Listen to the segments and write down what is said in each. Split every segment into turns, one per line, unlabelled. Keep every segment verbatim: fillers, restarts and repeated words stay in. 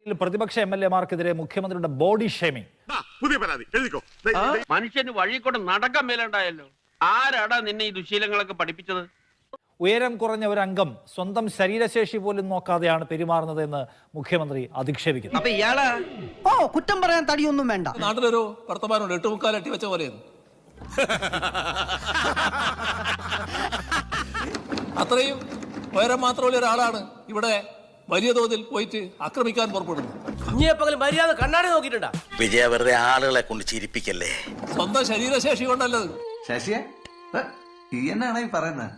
പ്രതിപക്ഷ M L എമാർക്കെതിരെ മുഖ്യമന്ത്രിയുടെ body shaming.
പുതിയ പരാതി എഴുതിക്കോ.
മനുഷ്യന് വഴി കൂടെ നടക്കാൻ മേലുണ്ടായല്ലോ. ആരാടാ നിന്നെ ഈ ദുശീലങ്ങളൊക്കെ പഠിപ്പിച്ചത്?
ഉയരം കുറഞ്ഞ ഒരു അംഗം സ്വന്തം ശരീരശേഷി പോലും നോക്കാതെയാണ് പെരുമാറുന്നതെന്ന് മുഖ്യമന്ത്രി അധിക്ഷേപിക്കുന്നു.
അപ്പൊ ഇയാള് ഓ കുറ്റം പറയാൻ തടിയൊന്നും വേണ്ട.
നാട്ടിലൊരു വർത്തമാനമുണ്ട്, എട്ടുമുക്കാലട്ടി വെച്ച പോലെയെന്ന്. അത്രയും ഉയരം മാത്രമുള്ള ഒരാളാണ് ഇവിടെ വലിയ തോതിൽ പോയിട്ട് ആക്രമിക്കാൻ പുറപ്പെടുന്നത്.
മര്യാദ കണ്ണാടി നോക്കിയിട്ടുണ്ടാ?
വിജയ വെറുതെ ആളുകളെ കൊണ്ട് ചിരിപ്പിക്കല്ലേ.
സ്വന്തം ശരീരശേഷി കൊണ്ടല്ലത്.
ശശിയെ ഈ എന്നാണ് ഈ പറയുന്നത്?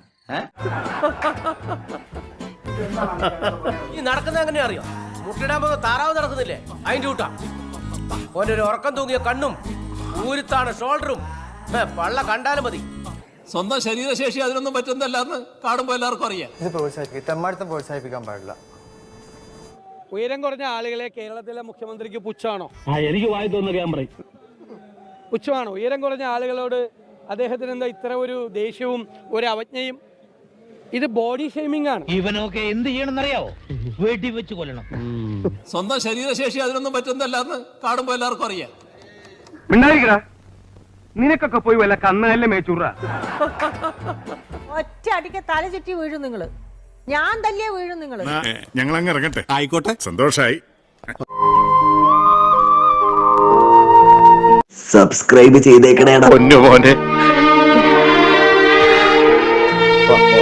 ഈ നടക്കുന്ന എങ്ങനെ അറിയോ? മുട്ടിടാൻ പോകുന്ന താറാവ് നടക്കുന്നില്ലേ, അതിന്റെ കൂട്ടാ. ഓൻ്റെ ഒരു ഉറക്കം തൂങ്ങിയ കണ്ണും ഊരുത്താണ് ഷോൾഡറും പള്ള കണ്ടാലും മതി.
സ്വന്തം ശരീരശേഷി അതിനൊന്നും പറ്റുന്നല്ല എന്ന് കാണുമ്പോൾ എല്ലാവർക്കും അറിയാം.
ഇത് പ്രോത്സാഹിപ്പിക്കും, തെമ്മാടിത്തം പ്രോത്സാഹിപ്പിക്കാൻ പാടില്ല.
ഉയരം കുറഞ്ഞ ആളുകളെ കേരളത്തിലെ മുഖ്യമന്ത്രിക്ക് പുച്ഛമാണോ?
എനിക്ക് വായി തോന്നുക പറയും.
പുച്ഛമാണോ ഉയരം കുറഞ്ഞ ആളുകളോട് അദ്ദേഹത്തിന് എന്താ ഇത്ര ഒരു ദേഷ്യവും ഒരു അവജ്ഞയും? ഇത് ബോഡി ഷെയ്മിംഗ് ആണ്.
ഇവനൊക്കെ എന്ത് ചെയ്യണമെന്നറിയാവോ? വെടി വെച്ച് കൊല്ലണം.
സ്വന്തം ശരീരശേഷി അതിനൊന്നും പറ്റുന്നല്ല എന്ന് കാണുമ്പോൾ എല്ലാവർക്കും അറിയാം.
നിനക്കൊക്കെ പോയി വല്ല കന്നല്ലേ മേച്ചൂറ.
ഒറ്റ അടിക്ക് തല ചുറ്റി വീഴും നിങ്ങള്. ഞാൻ തല്ലിയ വീഴും നിങ്ങള്.
ഞങ്ങൾ അങ്ങ് ഇറങ്ങട്ടെ. ആയിക്കോട്ടെ, സന്തോഷായി.
സബ്സ്ക്രൈബ് ചെയ്തേക്കണേടാ പൊന്നു മോനെ.